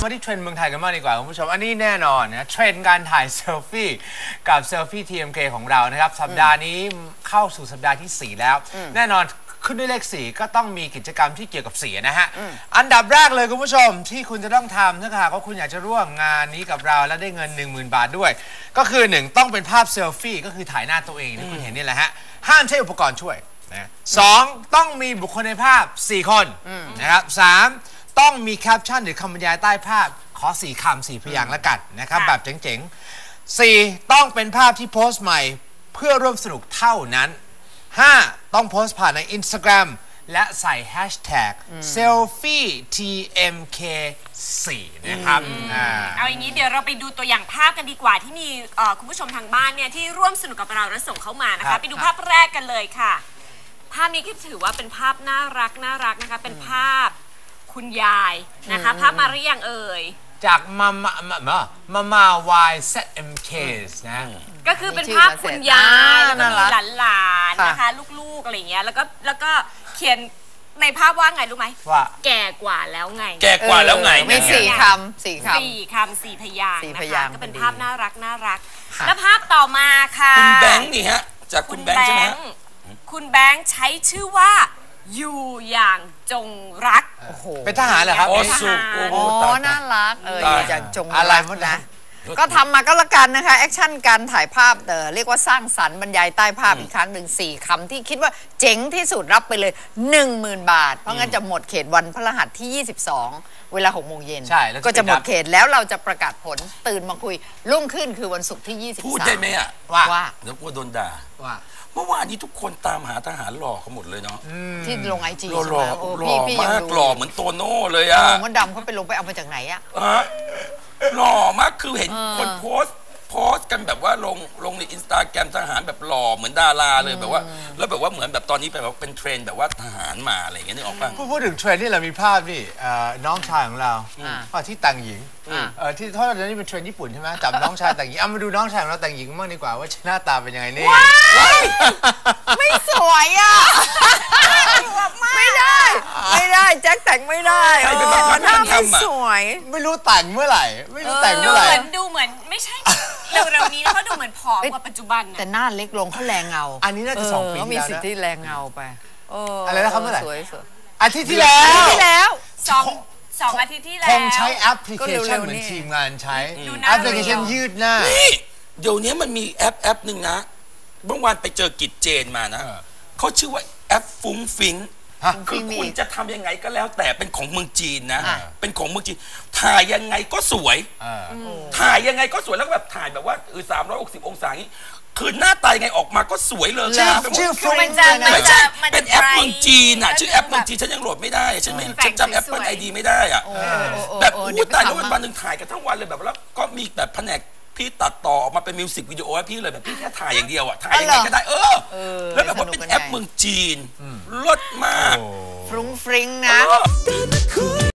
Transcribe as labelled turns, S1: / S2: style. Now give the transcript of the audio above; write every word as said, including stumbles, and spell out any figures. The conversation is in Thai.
S1: มาที่เทรนด์เมืองไทยกันมากดีกว่าคุณผู้ชมอันนี้แน่นอนนะเทรนด์การถ่ายเซลฟี่กับเซลฟี่ ที เอ็ม เค ของเรานะครับสัปดาห์นี้เข้าสู่สัปดาห์ที่สี่แล้วแน่นอนขึ้นด้วยเลขสี่ก็ต้องมีกิจกรรมที่เกี่ยวกับสีนะฮะอันดับแรกเลยคุณผู้ชมที่คุณจะต้องทำถ้าหากว่าคุณอยากจะร่วมงานนี้กับเราและได้เงิน หนึ่งหมื่น บาทด้วยก็คือหนึ่งต้องเป็นภาพเซลฟี่ก็คือถ่ายหน้าตัวเองที่คุณเห็นนี่แหละฮะห้ามใช้อุปกรณ์ช่วยนะสองต้องมีบุคคลในภาพสี่คนนะครับสามต้องมีแคปชั่นหรือคำบรรยายใต้ภาพขอสี่คำสี่พยางค์แล้วกันนะครับแบบเจ๋งๆสี่ต้องเป็นภาพที่โพสต์ใหม่เพื่อร่วมสนุกเท่านั้นห้าต้องโพสต์ผ่านใน Instagram และใส่แฮชแท็ก เซลฟี่ ที เอ็ม เค สี่ นะครับ
S2: เอาอย่างนี้เดี๋ยวเราไปดูตัวอย่างภาพกันดีกว่าที่มีคุณผู้ชมทางบ้านเนี่ยที่ร่วมสนุกกับเราและส่งเข้ามานะคะไปดูภาพแรกกันเลยค่ะภาพนี้ก็ถือว่าเป็นภาพน่ารักน่ารักนะคะเป็นภาพคุณยายนะคะภาพมาหรือยังเอ่ย
S1: จากมามามามามามา Y เซ เอ็ม เค นะ
S2: ก็คือเป็นภาพคุณยายแล้วก็มีหลานๆนะคะลูกๆอะไรเงี้ยแล้วก็แล้วก็เขียนในภาพว่าไงรู้ไหมว่าแก่กว่าแล้วไง
S3: แก่กว่าแล้วไง
S4: มีสี่คำสี่คำ
S2: สี่คำสี่พยางค์นะคะก็เป็นภาพน่ารักน่ารักแล้วภาพต่อมาค่ะ
S3: คุณแบงค์นี่ฮะจากคุณแบงค์ใช่ไหม
S2: คุณแบงค์ใช้ชื่อว่าอยู่อย่างจงรัก
S1: เป็นทหารเหรอครับ
S3: โอ้
S4: สุโอ้น่ารักเอออยู่อย่างจงรักอะไรพวกนั้นก็ทำมาก็แล้วกันนะคะแอคชั่นการถ่ายภาพเออเรียกว่าสร้างสรรค์บรรยายใต้ภาพอีกครั้งหนึ่งสี่คำที่คิดว่าเจ๋งที่สุดรับไปเลย หนึ่งหมื่น บาทเพราะงั้นจะหมดเขตวันพฤหัสที่ยี่สิบสองเวลาหกโมงเย็นก็จะหมดเขตแล้วเราจะประกาศผลตื่นมาคุยรุ่งขึ้นคือวันศุกร์ที่ยี่สิบสาม
S3: พูดได้ไหมอ่ะ
S4: ว่า
S3: เดี๋ยวกลัวโดนด่า
S1: ว่า
S3: เมื่อวานนี้ทุกคนตามหาทหารหล่อเขาหมดเลยเนาะ
S4: ที่ลงไอจี
S3: หล่อหล่อมากหล่อเหมือนโตโน่เลยอะ
S4: มดดำเขาไปลงไปเอามาจากไหนอะ
S3: หล่อมากคือเห็นคนโพสโพสกันแบบว่าลงลงในอินสตาแกรมทหารแบบหล่อเหมือนดาราเลยแบบว่าแล้วแบบว่าเหมือนแบบตอนนี้แบบเป็นเทรนด์แบบว่าทหารมาอะไรอย่างเงี้ยนึกออกป่ะ
S1: พูดถึงเทรนด์ที่เรามีภาพนี่น้องชายของเราที่แต่งหญิงที่เพราะเรานี่เป็นเทรนด์ญี่ปุ่นใช่ไหมจับน้องชายแต่งหญิงเอามาดูน้องชายของเราแต่งหญิงบ้างดีกว่าว่าหน้าตาเป็นยังไงนี่
S4: ไม่สวยอ่ะไม่ได้ไม่ได้แจ็คแต่งไม่ได้หน้าไม่สวย
S1: ไม่รู้แต่งเมื่อไหร่ไม่รู้แต่งเมื่อไหร่
S2: ดูเหมือนไม่ใช่เร็วๆนี้เขาดูเหมือนผอมกว่าปัจจุบัน
S4: แต่หน้าเล็กลงเขาแรงเงา
S1: อันนี้น่าจะสองปี
S4: แล้วมีสิทธิ์ที่แรงเงาไป
S1: อะไรนะครับเมื่อไหร่
S4: สวยสวย
S1: อาทิตย์ที่แล้ว
S4: ที่แล้ว
S2: สองสองอาทิตย์ที่แล้ว
S1: คงใช้แอปพลิเคชันเหมือนทีมงานใช้แอปพลิเคชันยืดหน้า
S3: นี่เดี๋ยวนี้มันมีแอปแอปหนึ่งนะเมื่อวานไปเจอกิจเจนมานะเขาชื่อว่าแอปฟุ้งฟิ้งคือคุณจะทำยังไงก็แล้วแต่เป็นของเมืองจีนนะเป็นของเมืองจีนถ่ายยังไงก็สวยถ่ายยังไงก็สวยแล้วก็แบบถ่ายแบบว่าเออสามร้อยหกสิบองศาอย่างนี้คือหน้าตายังไงออกมาก็สวยเลย
S1: ชื่อฟรุ้ง
S3: ไม่ใช่เป็นแอปเมืองจีนอ่ะชื่อแอปเมืองจีนฉันยังโหลดไม่ได้ฉันไม่ฉันจำแอปเปิลไอดีไม่ได้อ่ะแบบอู้ตายแล้ววันหนึ่งถ่ายกันทั้งวันเลยแบบแล้วก็มีแบบแผนกพี่ตัดต่อออกมาเป็นมิวสิกวิดีโอให้พี่เลยแบบพี่แค่ถ่ายอย่างเดียวอ่ะถ่ายยังไงก็ได้เออแล้วแบบว่าเป็นแอปเมืองจีนเลิศมาก
S4: ฟรุ้งฟริ้งนะ